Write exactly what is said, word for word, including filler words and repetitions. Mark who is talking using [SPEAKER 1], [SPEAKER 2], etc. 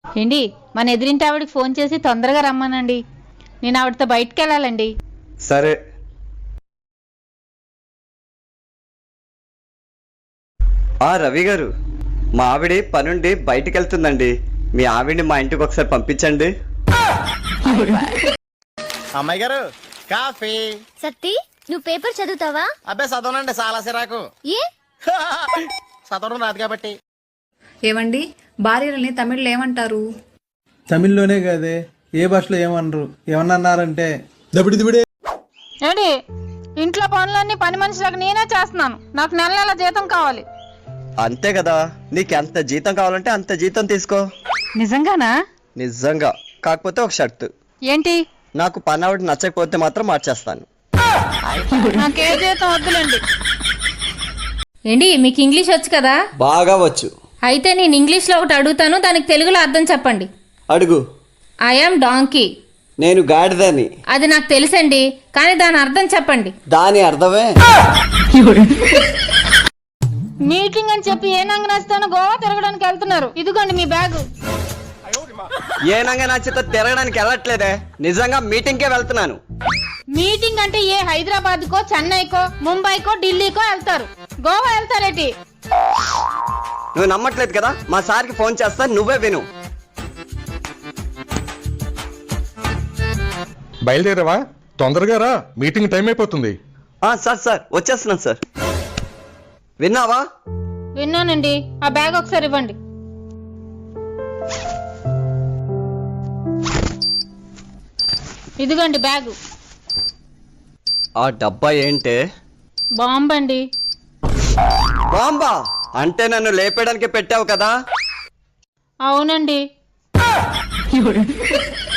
[SPEAKER 1] ఏంటి మన ఎదురింటి ఆవిడకి ఫోన్ చేసి తొందరగా రమ్మనండి, నేను ఆవిడతో బయటికి వెళ్ళాలండి.
[SPEAKER 2] సరే. ఆ రవి గారు, మా ఆవిడ పనుండి బయటికి వెళ్తుందండి. మీ ఆవిడ్ని మా ఇంటికి ఒకసారి పంపించండి.
[SPEAKER 3] అమ్మాయి గారు కాఫీ.
[SPEAKER 4] సత్తి, నువ్వు పేపర్ చదువుతావా?
[SPEAKER 3] అబ్బాయి చదవనండి, చాలా సిరాకు.
[SPEAKER 4] ఏ
[SPEAKER 3] చదవడం రాదు కాబట్టి.
[SPEAKER 5] ఏమండి, భార్యలని తమిళ్లో ఏమంటారు?
[SPEAKER 6] తమిళ్లోనే కాదే, ఏ భాషలో ఏమనరు. ఏమన్నారంటే దబిడి దిబిడే.
[SPEAKER 1] ఏంటి ఇంట్లో పనులన్నీ పని మనిషిలాగా నేనే చేస్తున్నాను, నాకు నెల నెల జీతం కావాలి.
[SPEAKER 2] అంతే కదా, నీకు ఎంత జీతం కావాలంటే అంత జీతం తీసుకో.
[SPEAKER 1] నిజంగానా?
[SPEAKER 2] నిజంగా. కాకపోతే ఒక షర్తు.
[SPEAKER 1] ఏంటి?
[SPEAKER 2] నాకు పని ఆవిడ నచ్చకపోతే మాత్రం మార్చేస్తాను.
[SPEAKER 1] నాకే జీతం వద్దులేండి.
[SPEAKER 7] ఏంటి, మీకు ఇంగ్లీష్ వచ్చు కదా?
[SPEAKER 2] బాగా వచ్చు.
[SPEAKER 7] అయితే నేను ఇంగ్లీష్లో ఒకటి అడుగుతాను, దానికి తెలుగులో అర్థం చెప్పండి.
[SPEAKER 2] అడుగు.
[SPEAKER 7] I'm donkey.
[SPEAKER 2] నేను గాడిదని.
[SPEAKER 7] అది నాకు తెలుసండి, కానీ దాని అర్థం చెప్పండి.
[SPEAKER 2] దాని అర్థమే.
[SPEAKER 1] మీటింగ్ అని చెప్పి ఏ నంగ నచ్చుతానో గోవా తిరగడానికి వెళ్తున్నారు. ఇదిగోండి మీ బ్యాగు.
[SPEAKER 2] ఏ నంగా నచ్చితే తిరగడానికి వెళ్ళట్లేదే, నిజంగా మీటింగ్కే వెళ్తున్నాను.
[SPEAKER 1] మీటింగ్ అంటే ఏ హైదరాబాద్ కో, చెన్నైకో, ముంబైకో, ఢిల్లీకో వెళ్తారు, గోవా వెళ్తారేటి?
[SPEAKER 2] నువ్వు నమ్మట్లేదు కదా, మా సార్కి ఫోన్ చేస్తా, నువ్వే విను.
[SPEAKER 8] బయలుదేరావా? తొందరగా రా, మీటింగ్ టైం అయిపోతుంది.
[SPEAKER 2] సార్ సార్ వచ్చేస్తున్నాను సార్. విన్నావా?
[SPEAKER 1] విన్నానండి. ఆ బ్యాగ్ ఒకసారి ఇవ్వండి. ఇదిగోండి బ్యాగు.
[SPEAKER 2] ఆ డబ్బా ఏంటే?
[SPEAKER 1] బాంబండి.
[SPEAKER 2] బాంబా? అంటే నన్ను లేపేయడానికి పెట్టావు కదా?
[SPEAKER 1] అవునండి.